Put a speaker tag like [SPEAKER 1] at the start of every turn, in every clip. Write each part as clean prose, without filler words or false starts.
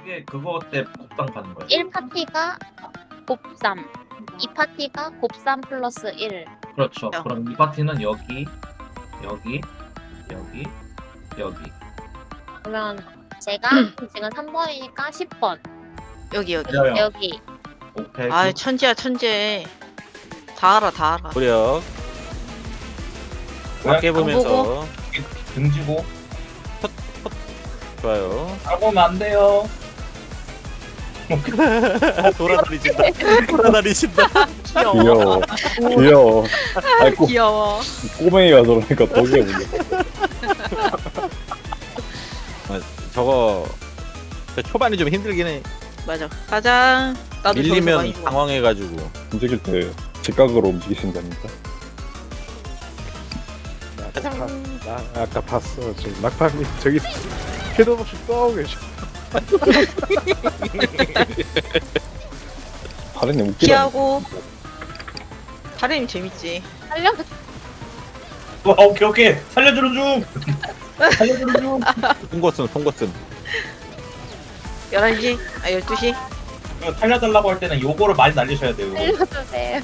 [SPEAKER 1] 그게 그거 때 곱당 가는 거예요.
[SPEAKER 2] 1파티가 곱삼, 2파티가 곱삼 플러스 1.
[SPEAKER 1] 그렇죠.
[SPEAKER 3] 야.
[SPEAKER 1] 그럼 이 파티는 여기, 여기, 여기, 여기.
[SPEAKER 2] 그러면 제가 지금 3번이니까 10번.
[SPEAKER 3] 여기 여기.
[SPEAKER 1] 맞아요.
[SPEAKER 2] 여기.
[SPEAKER 1] 오케이.
[SPEAKER 3] 아 천재야 천재. 다 알아 다 알아.
[SPEAKER 4] 무력 밖에 보면서
[SPEAKER 1] 등지고
[SPEAKER 4] 좋아요.
[SPEAKER 1] 가보면 안 돼요.
[SPEAKER 4] 돌아다니신다. 돌아다니신다.
[SPEAKER 3] 귀여워.
[SPEAKER 5] 귀여워. 아니
[SPEAKER 3] 귀여워.
[SPEAKER 5] 꼬맹이가 저러니까 더 귀여운데.
[SPEAKER 4] 저거 초반이 좀 힘들긴 해.
[SPEAKER 3] 맞아. 가자. 나도 저기서 많이
[SPEAKER 4] 밀리면
[SPEAKER 3] 죽어.
[SPEAKER 4] 당황해가지고.
[SPEAKER 5] 움직일 때 직각으로 움직이신다니까.
[SPEAKER 6] 나 아까 봤어. 저 낙파님 저기 캐도 없이 떠오고 계셔.
[SPEAKER 5] 하루님 웃기다.
[SPEAKER 3] 피하고. 하렘 재밌지.
[SPEAKER 2] 살려.
[SPEAKER 1] 오케이 오케이 살려주는 중. 살려주는 중.
[SPEAKER 4] 통과슨.
[SPEAKER 3] 11시? 아 12시?
[SPEAKER 1] 이거 살려달라고 할 때는 요거를 많이 날리셔야 돼요.
[SPEAKER 2] 살려주세요.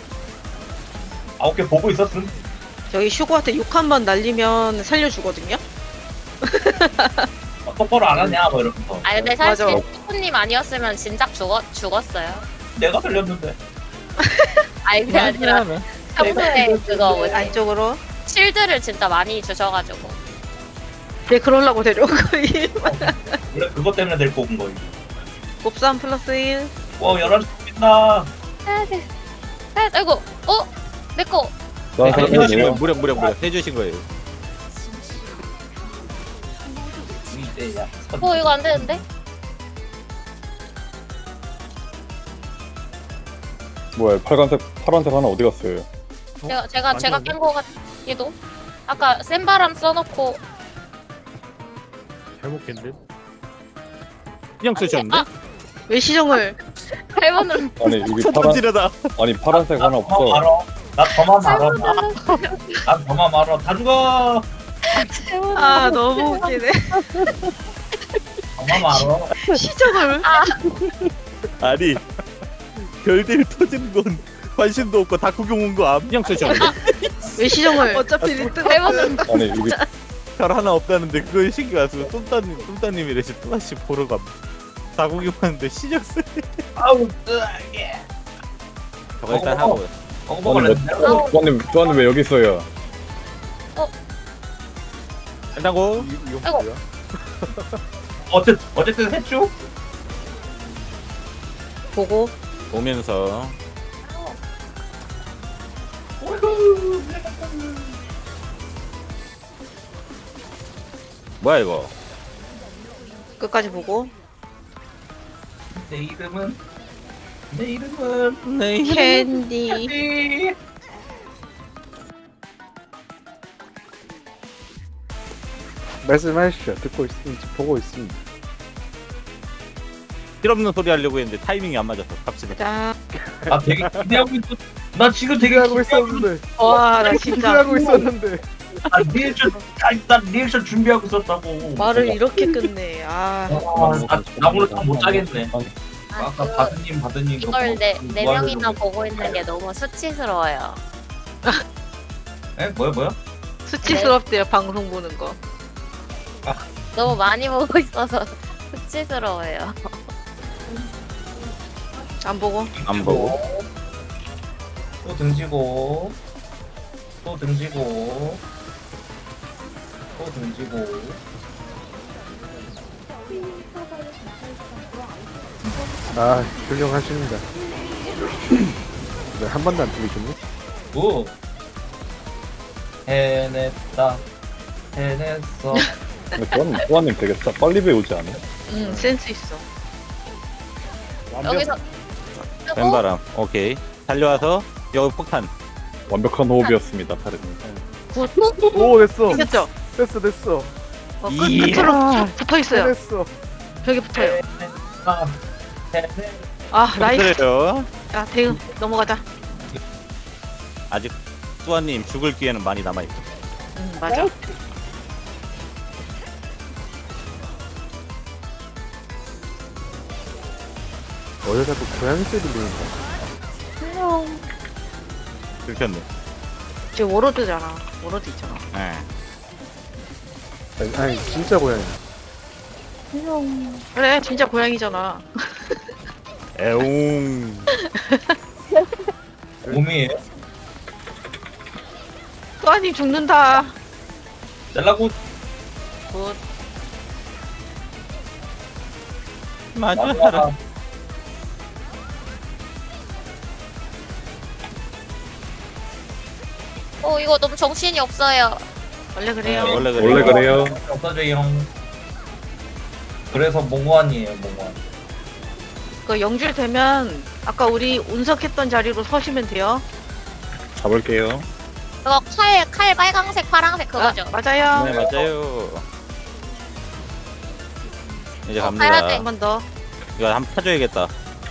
[SPEAKER 1] 아 오케이 보고 있었음.
[SPEAKER 3] 저기 슈고한테 욕 한 번 날리면 살려주거든요?
[SPEAKER 1] 똑바로 안 하냐 뭐 이러면서.
[SPEAKER 2] 아 근데 사실
[SPEAKER 3] 맞아.
[SPEAKER 2] 푸푸님 아니었으면 진작 죽었어요.
[SPEAKER 1] 내가 살렸는데.
[SPEAKER 2] 아니 그게 아니라 평소에 그거 뭐지?
[SPEAKER 3] 안쪽으로.
[SPEAKER 2] 실드를 진짜 많이 주셔가지고.
[SPEAKER 3] 네 그러려고 데려온 거임.
[SPEAKER 1] 원래 그것 때문에 데리고 온 거예요.
[SPEAKER 3] 곱삼 플러스 1.
[SPEAKER 1] 와 11시 빛나.
[SPEAKER 2] 해야 돼. 해야 돼. 아이고. 내 거.
[SPEAKER 5] 나
[SPEAKER 4] 해주신 거예요.
[SPEAKER 5] 사람이에요.
[SPEAKER 4] 무력 해주신 거예요.
[SPEAKER 1] 이때야.
[SPEAKER 2] 이거 안 되는데?
[SPEAKER 5] 뭐야 파란색 하나 어디 갔어요?
[SPEAKER 2] 제가 깬 거 같기도. 아까 센 바람 써놓고.
[SPEAKER 6] 잘못 캔데.
[SPEAKER 4] 그냥 쓰셨는데?
[SPEAKER 3] 왜 시정을?
[SPEAKER 2] 8번을
[SPEAKER 5] 아니 여기
[SPEAKER 4] 첫 번째다.
[SPEAKER 5] 아니 파란색 하나
[SPEAKER 1] 나
[SPEAKER 5] 없어.
[SPEAKER 1] 알아. 나 저만 알아. 난 저만 알아. 다 죽어.
[SPEAKER 3] 아 너무 웃기네.
[SPEAKER 1] 저만 알아.
[SPEAKER 3] 시정을.
[SPEAKER 4] 아니 별들 터지는 건 관심도 없고 다 구경 온 거 그냥 쓰셨는데?
[SPEAKER 3] 왜 시정을? 어차피 1등.
[SPEAKER 2] 8번을
[SPEAKER 5] 아니 여기
[SPEAKER 4] 별 하나 없다는데 그걸 신경 안 쓰고 똠따님이 레시 또다시 보러 갑니다. 다 구경하는데 시작 쓰.
[SPEAKER 1] 아우 뜨게.
[SPEAKER 4] 저거 일단 하고.
[SPEAKER 1] 먹을래.
[SPEAKER 5] 주한님 왜 여기 있어요?
[SPEAKER 4] 일단 고.
[SPEAKER 6] 이거
[SPEAKER 2] 아이고.
[SPEAKER 6] 뭐야?
[SPEAKER 1] 어쨌든 했죠.
[SPEAKER 3] 보고.
[SPEAKER 4] 오면서 뭐야 이거?
[SPEAKER 3] 끝까지 보고.
[SPEAKER 1] 내 이름은
[SPEAKER 3] 캔디.
[SPEAKER 6] 말씀하십시오. 듣고 있습니다. 보고 있습니다.
[SPEAKER 4] 필요없는 소리 하려고 했는데 타이밍이 안 맞았어. 갑시다.
[SPEAKER 3] 자.
[SPEAKER 1] 나 되게 기대하고 있어. 나 지금 되게
[SPEAKER 6] 기대하고 있었는데.
[SPEAKER 3] 와 나 진짜
[SPEAKER 6] 기대하고 있었는데.
[SPEAKER 1] 나 리액션 준비하고 있었다고.
[SPEAKER 3] 말을 이렇게 끝내. 아.
[SPEAKER 1] 나 오늘 잠못 자겠네.
[SPEAKER 2] 아,
[SPEAKER 1] 아까
[SPEAKER 2] 그,
[SPEAKER 1] 바드님
[SPEAKER 2] 이걸 네
[SPEAKER 1] 뭐
[SPEAKER 2] 명이나
[SPEAKER 1] 하려고.
[SPEAKER 2] 보고 있는 게 너무 수치스러워요.
[SPEAKER 1] 에 뭐야?
[SPEAKER 3] 수치스럽대요 방송 보는 거.
[SPEAKER 2] 너무 많이 보고 있어서 수치스러워요.
[SPEAKER 3] 안 보고.
[SPEAKER 4] 안 보고.
[SPEAKER 1] 또 등지고 또 등지고 또 등지고.
[SPEAKER 6] 아 훌륭하십니다. 네, 한 번도 안 틀리셨네.
[SPEAKER 1] 오 해냈다 해냈어.
[SPEAKER 5] 근데 주한님 되게 빨리 배우지 않아?
[SPEAKER 3] 응 센스 있어.
[SPEAKER 2] 여기서
[SPEAKER 4] 왼바람. 오케이. 달려와서 여기 폭탄.
[SPEAKER 5] 완벽한 호흡이었습니다, 파르님.
[SPEAKER 6] 오 됐어.
[SPEAKER 3] 이겼죠?
[SPEAKER 6] 됐어.
[SPEAKER 3] 끝으로 붙어 있어요.
[SPEAKER 6] 됐어.
[SPEAKER 3] 벽에 붙어요.
[SPEAKER 1] 아, 해냈.
[SPEAKER 3] 아 나이스.
[SPEAKER 4] 그래요.
[SPEAKER 3] 야 대응 넘어가자.
[SPEAKER 4] 아직 뚜아님 죽을 기회는 많이 남아 있어.
[SPEAKER 3] 맞아.
[SPEAKER 6] 어제 자꾸 고양이 소리 들린다.
[SPEAKER 4] 들켰네.
[SPEAKER 3] 지금 워로드잖아. 워로드 있잖아.
[SPEAKER 4] 예.
[SPEAKER 6] 아니 진짜 고양이.
[SPEAKER 3] 그래, 진짜 고양이잖아.
[SPEAKER 4] 에옹.
[SPEAKER 1] 몸이에요.
[SPEAKER 3] 또아님 죽는다.
[SPEAKER 1] 잘라고
[SPEAKER 3] 굿.
[SPEAKER 4] 맞아.
[SPEAKER 2] 이거 너무 정신이 없어요.
[SPEAKER 3] 원래 그래요.
[SPEAKER 4] 원래 그래.
[SPEAKER 5] 원래 그래요.
[SPEAKER 1] 없어져요. 그래서 몽환이에요, 몽환.
[SPEAKER 3] 그 영줄 되면 아까 우리 운석했던 자리로 서시면 돼요.
[SPEAKER 5] 잡을게요.
[SPEAKER 2] 그거 칼 빨강색, 파랑색 그거죠.
[SPEAKER 3] 맞아요.
[SPEAKER 4] 네, 맞아요. 이제
[SPEAKER 2] 가야 돼.
[SPEAKER 4] 갑니다.
[SPEAKER 3] 한 번 더.
[SPEAKER 4] 이거 한번 타줘야겠다.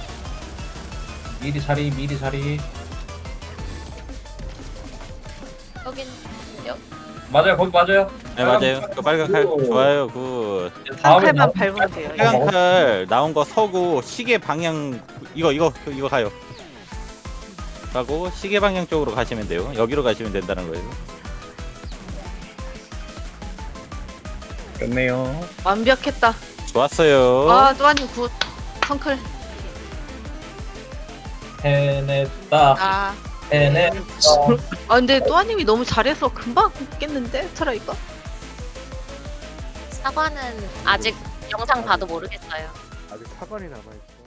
[SPEAKER 1] 미리 자리.
[SPEAKER 2] 여긴
[SPEAKER 1] 맞아요, 거기 맞아요.
[SPEAKER 4] 네, 맞아요. 그 빨간 칼 좋아요. 그
[SPEAKER 3] 한
[SPEAKER 1] 다음에
[SPEAKER 3] 칼만 밟으면 돼요.
[SPEAKER 4] 빨간 칼 나온 거 서고 시계 방향 이거 가요. 가고 시계 방향 쪽으로 가시면 돼요. 여기로 가시면 된다는 거예요.
[SPEAKER 5] 끝내요.
[SPEAKER 3] 완벽했다.
[SPEAKER 4] 좋았어요.
[SPEAKER 3] 아, 또아님 굿. 성클.
[SPEAKER 1] 해냈다.
[SPEAKER 3] 아.
[SPEAKER 1] 해냈다.
[SPEAKER 3] 아, 근데 또아님이 너무 잘해서 금방 깼는데? 트라이가?
[SPEAKER 2] 사과는 아직 영상 봐도 모르겠어요.
[SPEAKER 6] 아직 사관이 남아있어.